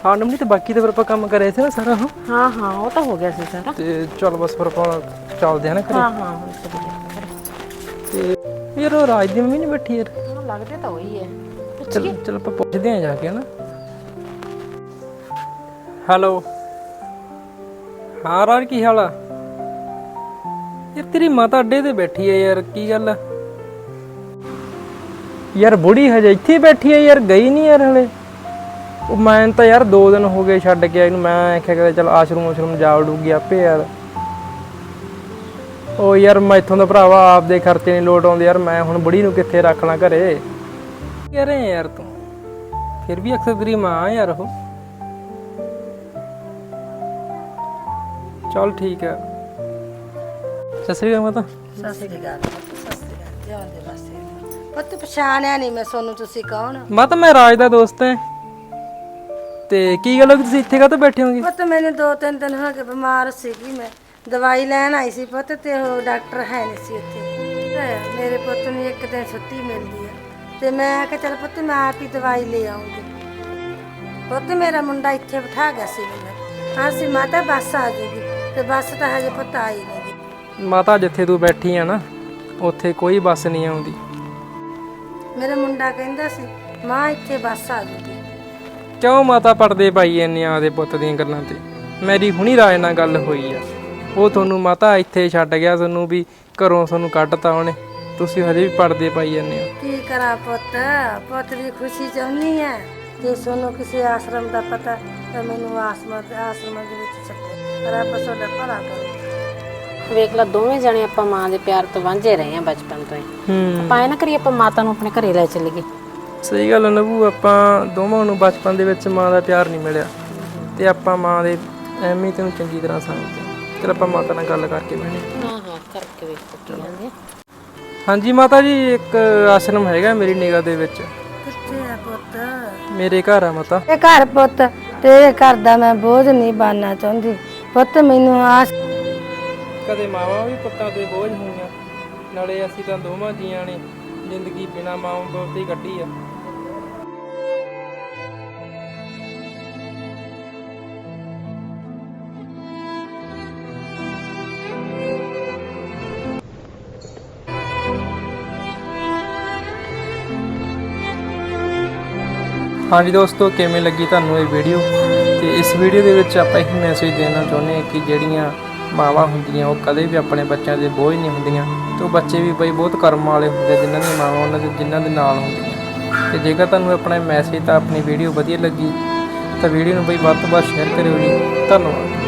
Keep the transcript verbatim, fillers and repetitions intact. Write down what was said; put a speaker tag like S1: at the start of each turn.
S1: ਹਾਂ ਨਮਨੀ ਤੇ ਬਾਕੀ ਤਾਂ ਫਿਰ ਆਪਾਂ ਕੰਮ ਕਰਿਆ ਸੀ ਨਾ ਸਾਰਾ ਉਹ।
S2: ਹਾਂ ਹਾਂ ਉਹ ਤਾਂ ਹੋ ਗਿਆ ਸੀ ਸਾਰਾ।
S1: ਤੇ ਚੱਲ ਬਸ ਫਿਰ ਆਪਾਂ ਚੱਲਦੇ ਆ ਨਾ ਘਰੇ।
S2: ਹਾਂ ਹਾਂ ਹੁਣ ਚੱਲੀਏ।
S1: ਤੇ ਯਾਰ ਉਹ ਰਾਜ ਦੀ ਮੰਮੀ ਨਹੀਂ ਬੈਠੀ ਯਾਰ?
S2: ਹਾਂ ਲੱਗਦੇ ਤਾਂ ਉਹੀ ਹੈ।
S1: ਚਲ ਚਲ ਆਪਾਂ ਪੁੱਛਦੇ ਆ ਜਾ ਕੇ ਹਨਾ। ਹੈਲੋ ਹਾਂ ਰਾਜ ਕੀ ਹਾਲ ਆ? ਯਾਰ ਤੇਰੀ ਮਾਤਾ ਅੱਡੇ ਤੇ ਬੈਠੀ ਹੈ ਯਾਰ, ਕੀ ਗੱਲ ਆ? ਯਾਰ ਬੁੜੀ ਹਜੇ ਇੱਥੇ ਬੈਠੀ ਹੈ ਯਾਰ, ਗਈ ਨਹੀਂ ਯਾਰ ਹਲੇ। ਉਹ ਮੈਂ ਤਾਂ ਯਾਰ ਦੋ ਦਿਨ ਹੋ ਗਏ ਛੱਡ ਕੇ ਇਹਨੂੰ, ਮੈਂ ਆਖਿਆ ਕਿ ਚੱਲ ਆਸ਼ਰਮ ਆਸ਼ਰਮ ਜਾ ਵੜੂਗੀ ਆਪੇ ਯਾਰ। ਉਹ ਯਾਰ ਮੈਥੋਂ ਦਾ ਭਰਾਵਾ ਆਪਦੇ ਖਰਚੇ ਨਹੀਂ ਲੋਟ ਆਉਂਦੇ ਯਾਰ, ਮੈਂ ਹੁਣ ਬੁੜੀ ਨੂੰ ਕਿੱਥੇ ਰੱਖ ਲਾਂ ਘਰੇ। ਕੀ ਕਹਿ ਰਹੇ ਯਾਰ ਤੂੰ? ਫਿਰ ਵੀ ਅਕਸਰ ਤੇਰੀ ਮਾਂ ਯਾਰ ਉਹ। ਚੱਲ ਠੀਕ ਹੈ। ਸਤਿ ਸ੍ਰੀ ਅਕਾਲ ਮਾਤਾ।
S3: ਸਤਿ ਸ੍ਰੀ ਅਕਾਲ ਸਤਿ ਸ੍ਰੀ ਅਕਾਲ ਜਿਉਂਦੇ ਵਾਸਤੇ। ਪੁੱਤ ਪਛਾਣਿਆ ਨਹੀਂ ਮੈਂ ਸੋਨੂੰ, ਤੁਸੀਂ ਕੌਣ?
S1: ਮਾਤਾ ਮੈਂ ਰਾਜ ਦਾ ਦੋਸਤ ਹਾਂ। ਤੇ ਕੀ ਗੱਲ ਹੋ ਗਈ, ਤੁਸੀਂ ਇੱਥੇ ਕਾਹਤੋਂ ਬੈਠੇ ਹੋਗੇ?
S3: ਪੁੱਤ ਮੈਨੂੰ ਦੋ ਤਿੰਨ ਦਿਨ ਹੋ ਗਏ ਬਿਮਾਰ ਸੀਗੀ, ਮੈਂ ਦਵਾਈ ਲੈਣ ਆਈ ਸੀ ਪੁੱਤ, ਤੇ ਉਹ ਡਾਕਟਰ ਹੈ ਨਹੀਂ ਸੀ ਉੱਥੇ। ਤੇ ਮੇਰੇ ਪੁੱਤ ਨੂੰ ਇੱਕ ਦਿਨ ਛੁੱਟੀ ਮਿਲਦੀ ਆ, ਤੇ ਮੈਂ ਕਿਹਾ ਚੱਲ ਪੁੱਤ ਮੈਂ ਆਪ ਹੀ ਦਵਾਈ ਲੈ ਆਉਂਗੀ। ਪੁੱਤ ਮੇਰਾ ਮੁੰਡਾ ਇੱਥੇ ਬਿਠਾ ਗਿਆ ਸੀ ਮੈਨੂੰ, ਹਾਂ ਸੀ ਮਾਤਾ ਬੱਸ ਆ ਜੂਗੀ, ਤੇ ਬੱਸ ਤਾਂ ਹਜੇ ਪੁੱਤ ਆਈ ਨਹੀਂ।
S1: ਮਾਤਾ ਜਿੱਥੇ ਤੂੰ ਬੈਠੀ ਆ ਨਾ, ਉੱਥੇ ਕੋਈ ਬੱਸ ਨਹੀਂ ਆਉਂਦੀ।
S3: ਮੇਰਾ ਮੁੰਡਾ ਕਹਿੰਦਾ ਸੀ ਮਾਂ ਇੱਥੇ ਬੱਸ ਆ ਜੂਗੀ।
S1: ਕਿਉਂ ਮਾਤਾ ਪੜਦੇ ਪਾਈ ਇੰਨੀਆਂ ਆਦੇ ਪੁੱਤ ਦੀਆਂ ਗੱਲਾਂ ਤੇ? ਮੇਰੀ ਹੁਣੀ ਰਾਜ ਨਾਲ ਗੱਲ ਹੋਈ ਆ, ਉਹ ਤੁਹਾਨੂੰ ਮਾਤਾ ਇੱਥੇ ਛੱਡ ਗਿਆ, ਤੁਹਾਨੂੰ ਵੀ ਘਰੋਂ ਤੁਹਾਨੂੰ ਕੱਢਤਾ ਉਹਨੇ, ਤੁਸੀਂ ਹਜੇ ਵੀ ਪੜਦੇ ਪਾਈ ਜਾਂਦੇ ਹੋ।
S3: ਕੀ ਕਰਾਂ ਪੁੱਤ, ਪੁੱਤ ਦੀ ਖੁਸ਼ੀ ਚਾਹੁੰਦੀ ਹੈ। ਜੇ ਸੋਨੂੰ ਕਿਸੇ ਆਸ਼ਰਮ ਦਾ ਪਤਾ ਤਾਂ ਮੈਨੂੰ ਆਸ਼ਰਮ ਆਸ਼ਰਮ ਦੇ ਵਿੱਚ ਛੱਡੇ, ਰੱਬ ਤੁਹਾਡਾ ਭਲਾ ਕਰੇ।
S2: ਵੇਖ ਲਾ ਦੋਵੇਂ ਜਣੇ ਆਪਾਂ ਮਾਂ ਦੇ ਪਿਆਰ ਤੋਂ ਵਾਂਝੇ ਰਹੇ ਆ ਬਚਪਨ ਤੋਂ ਹੀ।
S1: ਹੂੰ
S2: ਆਪਾਂ ਐ ਨਾ ਕਰੀਏ ਆਪਾਂ ਮਾਤਾ ਨੂੰ ਆਪਣੇ ਘਰੇ ਲੈ ਚੱਲੀਏ।
S1: ਸਹੀ ਗੱਲ ਹੈ ਨਬੂ, ਆਪਾਂ ਦੋਵਾਂ ਨੂੰ ਬਚਪਨ ਦੇ ਵਿੱਚ ਮਾਂ ਦਾ ਪਿਆਰ ਨਹੀਂ ਮਿਲਿਆ, ਤੇ ਆਪਾਂ ਮਾਂ ਦੇ ਅਹਿਮੀਅਤ ਨੂੰ ਚੰਗੀ ਤਰ੍ਹਾਂ ਸਮਝਦੇ ਹਾਂ। ਚਲ ਆਪਾਂ ਮਾਤਾ ਨਾਲ ਗੱਲ ਕਰਕੇ ਬਹਿਣੇ।
S2: ਹਾਂ ਹਾਂ ਕਰਕੇ ਵੇਖੋ ਕੀ ਕਹਿੰਦੇ।
S1: ਹਾਂਜੀ ਮਾਤਾ ਜੀ, ਇੱਕ ਆਸ਼ਰਮ ਹੈਗਾ ਮੇਰੀ ਨਿਗਾਹ ਦੇ ਵਿੱਚ।
S3: ਕਿੱਥੇ ਆ ਪੁੱਤ?
S1: ਮੇਰੇ ਘਰ ਆ ਮਾਤਾ।
S3: ਇਹ ਘਰ ਪੁੱਤ ਤੇਰੇ ਘਰ ਦਾ ਮੈਂ ਬੋਝ ਨਹੀਂ ਬਣਨਾ ਚਾਹੁੰਦੀ ਪੁੱਤ, ਮੈਨੂੰ ਆਸ।
S1: ਕਦੇ ਮਾਵਾਂ ਵੀ ਪੁੱਤਾਂ ਤੇ ਬੋਝ ਹੋਈਆਂ, ਨਾਲੇ ਅਸੀਂ ਤਾਂ ਦੋਵਾਂ ਜੀਆਂ ਨੇ ਜ਼ਿੰਦਗੀ ਬਿਨਾਂ ਮਾਂ ਬਾਪ ਦੀ ਕੱਢੀ ਆ। ਹਾਂਜੀ ਦੋਸਤੋ, ਕਿਵੇਂ ਲੱਗੀ ਤੁਹਾਨੂੰ ਇਹ ਵੀਡੀਓ? ਤੇ ਇਸ ਵੀਡੀਓ ਦੇ ਵਿੱਚ ਆਪਾਂ ਇਹ ਮੈਸੇਜ ਦੇਣਾ ਚਾਹੁੰਦੇ ਹਾਂ ਕਿ ਜਿਹੜੀਆਂ ਮਾਵਾਂ ਹੁੰਦੀਆਂ ਉਹ ਕਦੇ ਵੀ ਆਪਣੇ ਬੱਚਿਆਂ ਦੇ ਬੋਝ ਨਹੀਂ ਹੁੰਦੀਆਂ, ਤੇ ਉਹ ਬੱਚੇ ਵੀ ਬਈ ਬਹੁਤ ਕਰਮ ਵਾਲੇ ਹੁੰਦੇ ਜਿਨ੍ਹਾਂ ਦੀਆਂ ਮਾਵਾਂ ਉਹਨਾਂ ਦੇ ਜਿਨ੍ਹਾਂ ਦੇ ਨਾਲ ਹੁੰਦੀਆਂ। ਤੇ ਜੇਕਰ ਤੁਹਾਨੂੰ ਆਪਣਾ ਮੈਸੇਜ ਤਾਂ ਆਪਣੀ ਵੀਡੀਓ ਵਧੀਆ ਲੱਗੀ ਤਾਂ ਵੀਡੀਓ ਨੂੰ ਬਈ ਵੱਧ ਤੋਂ ਵੱਧ ਸ਼ੇਅਰ ਕਰਿਓ ਜੀ। ਧੰਨਵਾਦ।